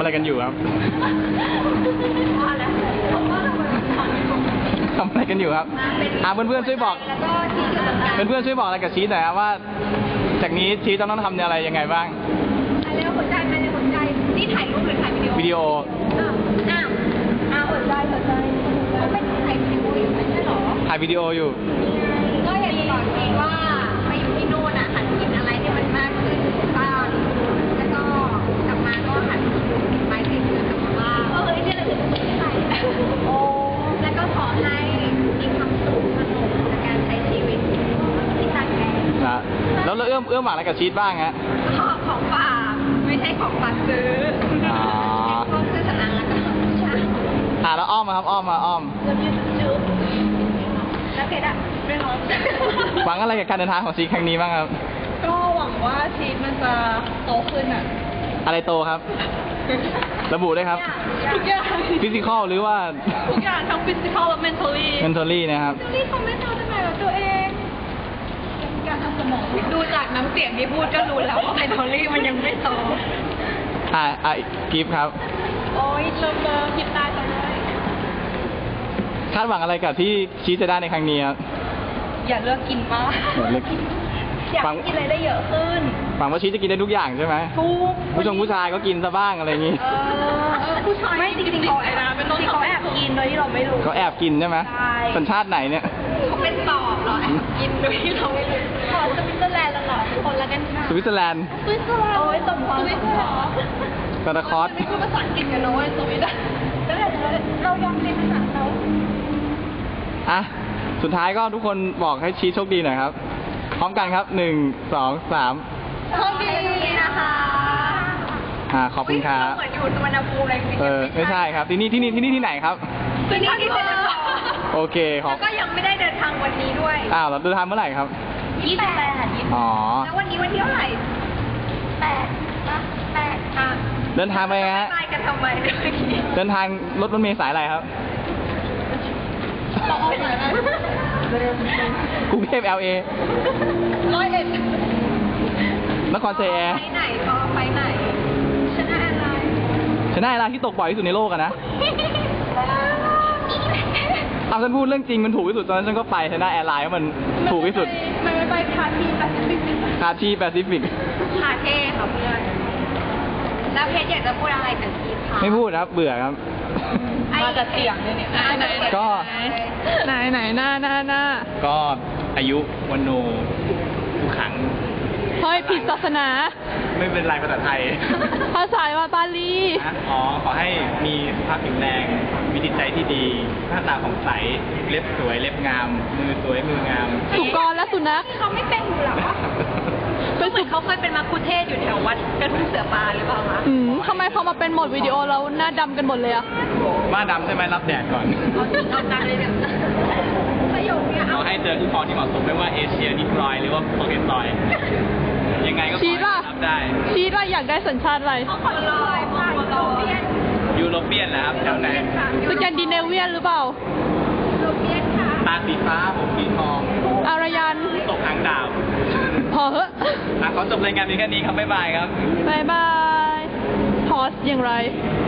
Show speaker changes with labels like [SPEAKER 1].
[SPEAKER 1] อะไรกันอยู่ครับทำอะไรกันอยู่ครับเพื่อนๆช่วยบอกเพื่อนๆช่วยบอกอะไรกับชีสหน่อยครับว่าจากนี้ชีสต้องทำอะไรยังไงบ้าง
[SPEAKER 2] อะไรหัวใจไปในหัวใจนี่ถ่ายรูปหรือถ่ายวิดีโอหัวใจเขาเป็นถ่ายวิดีโออยู่ไม่ใช่หรอ
[SPEAKER 1] ถ่ายวิดีโออยู่
[SPEAKER 2] ก็อยากจะบอกจริงว่าไปอยู่ที่นู่นอ่ะหัดกินอะไรที่มันมากขึ้นบ้างแล้วก็กลับมาก็หัดไปติดเพื่อนกลับมาบ้างเนี่ยเราจะไม่ได้โอ้แล้วก็ขอให้มีความสุขสนุกในการใช้ชีวิตที่ตั้งใจ
[SPEAKER 1] นะแล้วเอื้อมหวังอะไรกับชีสบ้างฮะ
[SPEAKER 2] ของฝากไม่ใช่ของฝากซื้อก็คือสนังแล้วก็ใช่
[SPEAKER 1] แล้วอ้อมครับอ้อม
[SPEAKER 2] แล้วยืดจุ๊บแล้วเพชรอะไม่ร้อง
[SPEAKER 1] หวังอะไรกับการเดินทางของชีสครั้งนี้บ้างครับ
[SPEAKER 2] ก็หวังว่าชีสมันจะโตขึ้นอะ
[SPEAKER 1] อะไรโตครับระบุได้ครับ
[SPEAKER 2] ทุกอย่าง
[SPEAKER 1] ฟิสิกอลหรือว่า
[SPEAKER 2] ทุกอย่างทั้งฟิสิกอลและ mentally
[SPEAKER 1] นะครับ
[SPEAKER 2] mentally เขาไม่โตได้ไหมกับตัวเองการทำสมองดูจากน้ำเสียงที่พูดก็รู้แล้วว่า mentally มันยังไม่โต
[SPEAKER 1] กิฟต์ครับ
[SPEAKER 2] โอ้ยเลิฟหยิบตาจังเลย
[SPEAKER 1] คาดหวังอะไรกับที่ชีสจะได้ในครั้งนี้ครับ
[SPEAKER 2] อย่าเลือกกินมากอยากกินอะไรได้เยอะขึ้น
[SPEAKER 1] หวังว่าชีสจะกินได้ทุกอย่างใช่ไหม
[SPEAKER 2] ทุก
[SPEAKER 1] ผู้ชายก็กินซะบ้างอะไรอย่างนี้
[SPEAKER 2] ผู้ชายไม่จริงๆเขาแอบกินโดยที่เราไม่รู้
[SPEAKER 1] เขาแอบกินใช่ไหมสัญชาติไหนเนี่ย
[SPEAKER 2] เขาเป็นตอบเหรอกินโดยที่เราไม่รู้สวิตเซอร์แลนด์แล้วเหรอคนละกันค่ะ
[SPEAKER 1] สวิตเซอร์แลนด์
[SPEAKER 2] โอ้ยสมพรสวิตเซอร์แลนด์
[SPEAKER 1] ซานตาคลอส
[SPEAKER 2] ไม่พูดภาษาอังกฤษกันนะเว้ยสวิตแล้วเรายอมเรียนภาษาเขา
[SPEAKER 1] สุดท้ายก็ทุกคนบอกให้ชีสโชคดีหน่อยครับพร้อมกันครับ1 2 3
[SPEAKER 2] โชคดีนะคะ
[SPEAKER 1] ขอบคุณครับ
[SPEAKER 2] เหมือนอยู่สุวรรณภูมิอะไร
[SPEAKER 1] ไม่ใช่ครับที่นี่ที่ไหนครับ
[SPEAKER 2] ที่นี่ที่เซ็นทรัล
[SPEAKER 1] โอเค
[SPEAKER 2] แล้วก็ยังไม่ได้เดินทางวันนี้ด้วย
[SPEAKER 1] เราเดินทางเมื่อไหร่ครับ
[SPEAKER 2] 28แล้ววันนี้วันที่เท่าไหร่8
[SPEAKER 1] เดินทางไปฮะ
[SPEAKER 2] ไปกันทำไม
[SPEAKER 1] เดินทางรถเมล์สายอะไรครับกรุงเทพ LA
[SPEAKER 2] 101
[SPEAKER 1] นครเซีย
[SPEAKER 2] ไปไหนก็ไปไหนชนะ
[SPEAKER 1] อะไรที่ตกบ่อยที่สุดในโลกอะนะฉันพูดเรื่องจริงมันถูกที่สุดตอนนั้นฉันก็ไปชนะแอร์ไลน์มันถูกที่สุด
[SPEAKER 2] ไม่ไปคาทีแปซิฟิก
[SPEAKER 1] คาเท่ค่ะเ
[SPEAKER 2] พื่อนแล้วเพชรอยากจะพูดอะไรกับทีมคะ
[SPEAKER 1] ไม่พูดครับเบื่อครับ
[SPEAKER 2] มาจากเสียงเนี่ย
[SPEAKER 1] ก็
[SPEAKER 2] ไหนหน้า
[SPEAKER 1] ก็อายุวันโนทุกครั้ง
[SPEAKER 3] เฮ้ยผิดศาสนา
[SPEAKER 1] ไม่เป็นไรภาษาไทย
[SPEAKER 3] ภาษาว่าบาลี
[SPEAKER 1] ขอให้มีสุขภาพแข็งแรงมีจิตใจที่ดีหน้าตาผ่องใสเล็บสวยเล็บงามมือสวยมืองาม
[SPEAKER 3] สุกรและสุนัข
[SPEAKER 2] เขาไม่เป็นอยู่หรอเป็นเหมือนเขาเคยเป็นมัคคุเทศอยู่แถววัดกระทุ่งเสือปลาหรือเปล่าคะ
[SPEAKER 3] ทำไมพอมาเป็นโหมดวิดีโอแล้วหน้าดำกันหมดเลยอะ
[SPEAKER 1] บ้าดำใช่ไหมรับแดดก่อน
[SPEAKER 2] เอาตาเลยเนี่ยประโยคเนี้ย
[SPEAKER 1] ขอให้เจอคู่ครองที่เหมาะสมไม่ว่าเอเชียนิกรอยหรือว่าโปรเกตอยยังไงก็
[SPEAKER 3] ชีสล่ะชีสล่ะอยากได้สัญชาติอะไร
[SPEAKER 1] ยูโรเปียนนะครับแถวไหน
[SPEAKER 3] สแกนดิเนเวียนหรือเปล่า
[SPEAKER 1] ตาสีฟ้าผมสีทอง
[SPEAKER 3] อารยัน
[SPEAKER 1] ตกหางดาว
[SPEAKER 3] พอเหอะ
[SPEAKER 1] ขอจบรายการนี้แค่นี้ครับบ๊ายบายครับ
[SPEAKER 3] บ๊ายบายพอสอย่างไร